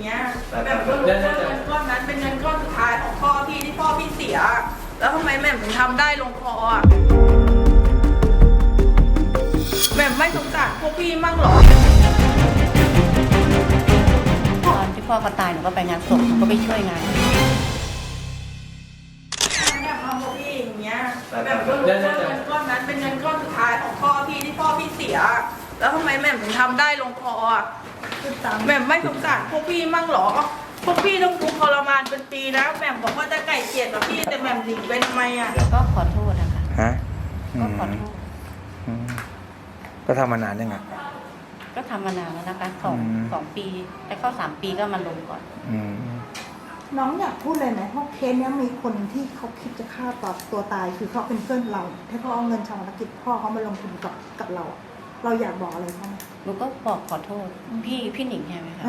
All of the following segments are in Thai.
งี้ยแบบก็รู้ว่าเงินก้อนนั้นเป็นเงินก้อนสุดท้ายของพ่อพี่ที่พ่อพี่เสียแล้วทำไมแม่ถึงทำได้ลงคออ่ะแม่ไม่สงสารพวกพี่มั่งหรอตอนที่พ่อเขาตายหนูก็ไปงานศพหนูก็ไปช่วยงานแบบมาพวกพี่อย่างเงี้ยแบบก็รู้ว่าเงินก้อนนั้นเป็นเงินก้อนสุดท้ายของพ่อพี่ที่พ่อพี่เสียแล้วทำไมแม่ถึงทำได้ลงคออ่ะแม่ไม่สงสารพวกพี่มั่งหรอพวกพี่ต้องทุกข์ทรมานเป็นปีนะแม่บอกว่าจะไก่เกลียดกับพี่แต่แม่หนีไปทำไมอ่ะก็ขอโทษนะคะฮะก็ขอโทษก็ทำมานานยังไงก็ทำมานานแล้วนะคะสองปีแต่เข้า3 ปีก็มาลงก่อนน้องอยากพูดเลยไหมเพราะเคสนี้มีคนที่เขาคิดจะฆ่าตัวตายคือเขาเป็นเพื่อนเราให้เขาเอาเงินชาวธุรกิจพ่อเขามาลงทุนกับเราเราอยากบอกอะไรเขาไหมหนูก็บอกขอโทษพี่หนิงใช่ไหมคะ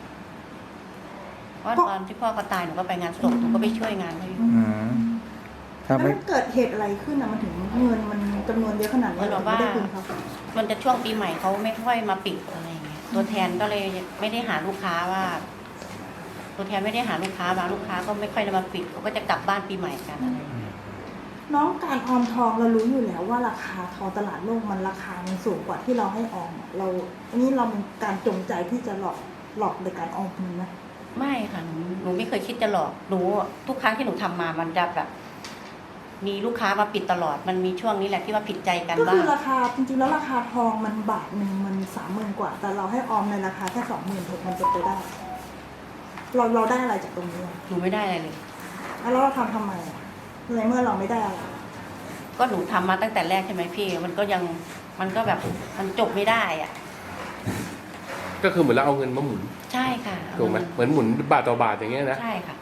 ว่าตอนที่พ่อเขาตายหนูก็ไปงานศพหนูก็ไปช่วยงานเขาอยู่แล้วมันเกิดเหตุอะไรขึ้นนะมันถึงเงินมันจำนวนเยอะขนาดนี้เราไม่ได้คืนเขามันจะช่วงปีใหม่เขาไม่ค่อยมาปิดอะไรอย่างเงี้ยตัวแทนก็เลยไม่ได้หาลูกค้าว่าตัวแทนไม่ได้หาลูกค้าบางลูกค้าก็ไม่ค่อยได้มาปิดเขาก็จะกลับบ้านปีใหม่กันอะไรน้องการออมทองเรารู้อยู่แล้วว่าราคาทองตลาดโลกมันราคามันสูงกว่าที่เราให้ออมเราอันนี้เราเป็นการจงใจที่จะหลอกในการออมเงินนะไม่ค่ะหนูไม่เคยคิดจะหลอกหนูทุกครั้งที่หนูทำมามันจะแบบมีลูกค้ามาปิดตลอดมันมีช่วงนี้แหละที่ว่าผิดใจกันบ้างก็คือราคาจริงๆแล้วราคาทองมันบาทหนึ่งมัน30,000 กว่าแต่เราให้ออมในราคาแค่26,000มันจะไปได้เราได้อะไรจากตรงนี้หนูไม่ได้อะไรเลยแล้วเราทำไมในเมื่อเราไม่ได้อะไรก็หนูทำมาตั้งแต่แรกใช่ไหมพี่มันก็แบบมันจบไม่ได้อ่ะก็คือเหมือนเราเอาเงินมาหมุนใช่ค่ะถูกไหมเหมือนหมุนบาทต่อบาทอย่างเงี้ยนะใช่ค่ะ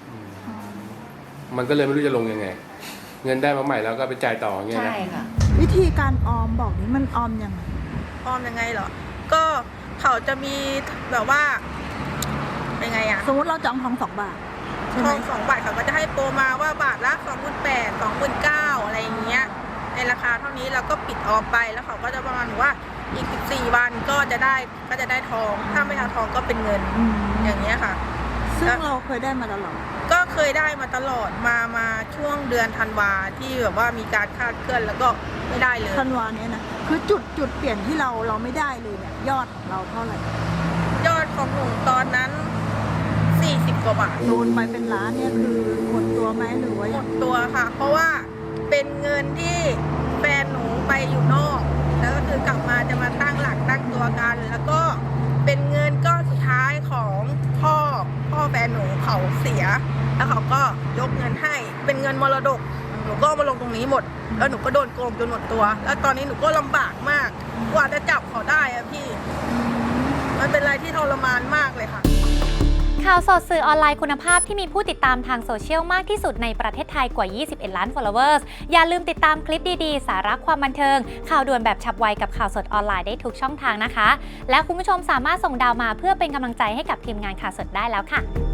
มันก็เลยไม่รู้จะลงยังไงเงินได้มาใหม่แล้วก็ไปจ่ายต่อเงี้ยนะใช่ค่ะวิธีการออมบอกนี้มันออมยังไงเหรอก็เขาจะมีแบบว่าเป็นไงอะสมมติเราจองทอง2 บาททอง2 บาทเขาก็จะให้โปรมาว่าบาทละ28,000 29,000อะไรอย่างเงี้ยในราคาเท่านี้เราก็ปิดออมไปแล้วเขาก็จะประมาณว่าอีก14 วันก็จะได้ทองถ้าไม่เอาทองก็เป็นเงินอย่างเงี้ยค่ะซึ่งเราเคยได้มาตลอดก็เคยได้มาตลอดมาช่วงเดือนธันวาที่แบบว่ามีการคาดเคลื่อนแล้วก็ไม่ได้เลยธันวาเนี้ยนะคือจุดเปลี่ยนที่เราไม่ได้เลยเนี่ยยอดของเราเท่าไหร่ยอดของหนูตอนนั้น40 กว่าบาทโดนไปเป็นล้านเนี่ยคือหมดตัวไหมหรือว่าหมดตัวค่ะเพราะว่าเป็นเงินที่แฟนหนูไปอยู่นอกแล้วก็คือกลับมาจะมาตั้งหลักตั้งตัวกันแล้วก็เป็นเงินก้อนสุดท้ายของพ่อแฟนหนูเขาเสียแล้วเขาก็ยกเงินให้เป็นเงินมรดกหนูก็มาลงตรงนี้หมดแล้วหนูก็โดนโกงจนหมดตัวแล้วตอนนี้หนูก็ลำบากมากกว่าจะจับเขาได้อะพี่มันเป็นอะไรที่ทรมานมากเลยค่ะข่าวสดสื่อออนไลน์คุณภาพที่มีผู้ติดตามทางโซเชียลมากที่สุดในประเทศไทยกว่า 21 ล้าน followers อย่าลืมติดตามคลิปดีๆ สาระความบันเทิงข่าวด่วนแบบฉับไวกับข่าวสดออนไลน์ได้ทุกช่องทางนะคะและคุณผู้ชมสามารถส่งดาวมาเพื่อเป็นกำลังใจให้กับทีมงานข่าวสดได้แล้วค่ะ